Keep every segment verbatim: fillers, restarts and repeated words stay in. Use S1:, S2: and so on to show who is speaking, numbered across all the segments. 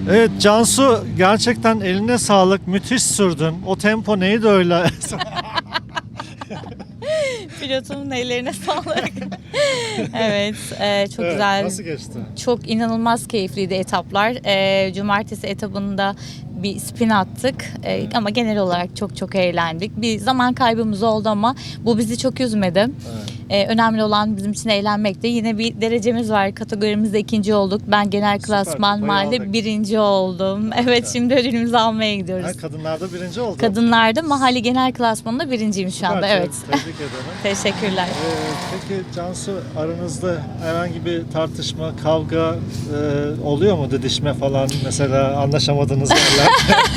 S1: Evet Cansu, gerçekten eline sağlık, müthiş sürdün. O tempo neydi öyle?
S2: Pilotumun ellerine sağlık. Evet, e, çok
S1: Evet,
S2: güzel.
S1: nasıl geçti?
S2: Çok inanılmaz keyifliydi etaplar. E, cumartesi etabında bir spin attık. E, ama genel olarak çok çok eğlendik. Bir zaman kaybımız oldu ama bu bizi çok üzmedi.
S1: Evet.
S2: E, önemli olan bizim için eğlenmekti. Yine bir derecemiz var. Kategorimizde ikinci olduk. Ben genel
S1: Süper,
S2: klasman
S1: kupayı
S2: mahalle
S1: aldık.
S2: birinci oldum. Evet, şimdi ödülümüzü almaya gidiyoruz.
S1: Ha, kadınlarda birinci oldu.
S2: Kadınlarda mahalle genel klasmanında birinciyim şu anda.
S1: Süper,
S2: Evet.
S1: te- Tebrik ederim.
S2: Teşekkürler.
S1: Ee, peki Cansu, aranızda herhangi bir tartışma, kavga e, oluyor mu? Didişme falan, mesela anlaşamadığınız yerler?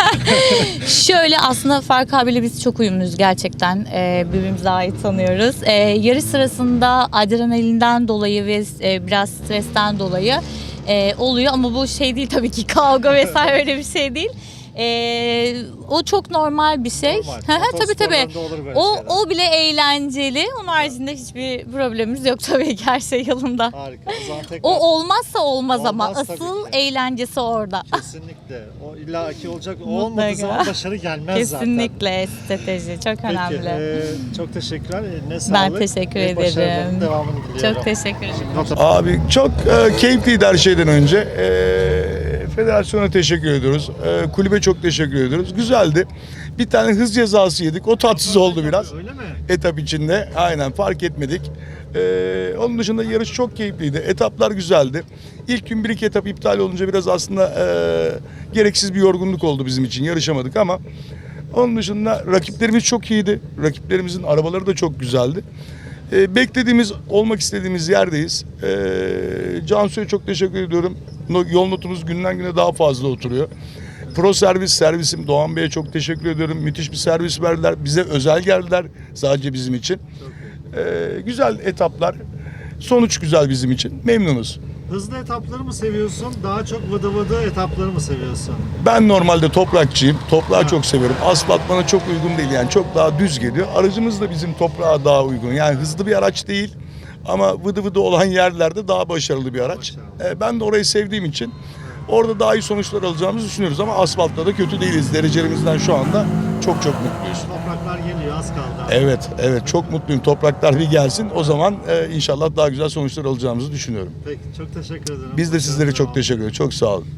S2: Şöyle, aslında Fark abiyle biz çok uyumluyuz gerçekten. Ee, birbirimizi daha iyi tanıyoruz. Ee, yarış sırasında adrenalinden dolayı ve e, biraz stresten dolayı e, oluyor ama bu şey değil tabii ki, kavga vesaire öyle bir şey değil. Ee, o çok normal bir şey.
S1: Normal.
S2: Hı hı, tabii tabii.
S1: Motorsporlarında olur böyle
S2: O
S1: şeyler.
S2: o bile eğlenceli. Onun haricinde hiçbir problemimiz yok tabii ki, her şey yolunda.
S1: Harika. O zaman tekrar
S2: O olmaz olmaz ama
S1: Olmaz tabii
S2: asıl
S1: ki.
S2: eğlencesi orada.
S1: kesinlikle. O illaki olacak. O
S2: Mutlaka.
S1: olmadığı zaman başarı gelmez zaten.
S2: Kesinlikle strateji çok
S1: Peki,
S2: önemli.
S1: e, çok teşekkürler. Ne
S2: Ben
S1: sağlık.
S2: teşekkür
S1: ve başarıların
S2: ederim.
S1: devamını diliyorum.
S2: Çok teşekkür ederim.
S3: Abi çok e, keyifliydi her şeyden önce. E, federasyona teşekkür ediyoruz. E, kulübe çok teşekkür ediyoruz. Güzeldi. Bir tane hız cezası yedik. O tatsız oldu biraz.
S1: Öyle mi?
S3: Etap içinde. Aynen, fark etmedik. E, onun dışında yarış çok keyifliydi. Etaplar güzeldi. İlk gün bir iki etap iptal olunca biraz aslında e, gereksiz bir yorgunluk oldu bizim için. Yarışamadık ama onun dışında rakiplerimiz çok iyiydi. Rakiplerimizin arabaları da çok güzeldi. E, beklediğimiz, olmak istediğimiz yerdeyiz. E, Cansu'ya çok teşekkür ediyorum. No, yol notumuz günden güne daha fazla oturuyor. Pro servis servisim Doğan Bey'e çok teşekkür ediyorum. Müthiş bir servis verdiler. Bize özel geldiler sadece bizim için. E, güzel etaplar. Sonuç güzel bizim için. Memnunuz.
S1: Hızlı etapları mı seviyorsun? Daha çok vıdı vıdı etapları mı seviyorsun?
S3: Ben normalde toprakçıyım. Toprağı
S1: Ha.
S3: çok seviyorum. Asfalt bana çok uygun değil, yani çok daha düz geliyor. Aracımız da bizim toprağa daha uygun. Yani hızlı bir araç değil ama vıdı vıdı olan yerlerde daha başarılı bir araç.
S1: Başarılı.
S3: Ee, ben de orayı sevdiğim için orada daha iyi sonuçlar alacağımızı düşünüyoruz ama asfaltta da kötü değiliz. Derecelerimizden şu anda çok çok mutluyuz.
S1: Topraklar geliyor, az kaldı.
S3: Evet, evet, çok mutluyum. Topraklar bir gelsin. O zaman e, inşallah daha güzel sonuçlar alacağımızı düşünüyorum.
S1: Peki, çok teşekkür ederim.
S3: Biz de sizlere çok
S1: Başarılar.
S3: teşekkür ederiz. Çok sağ olun.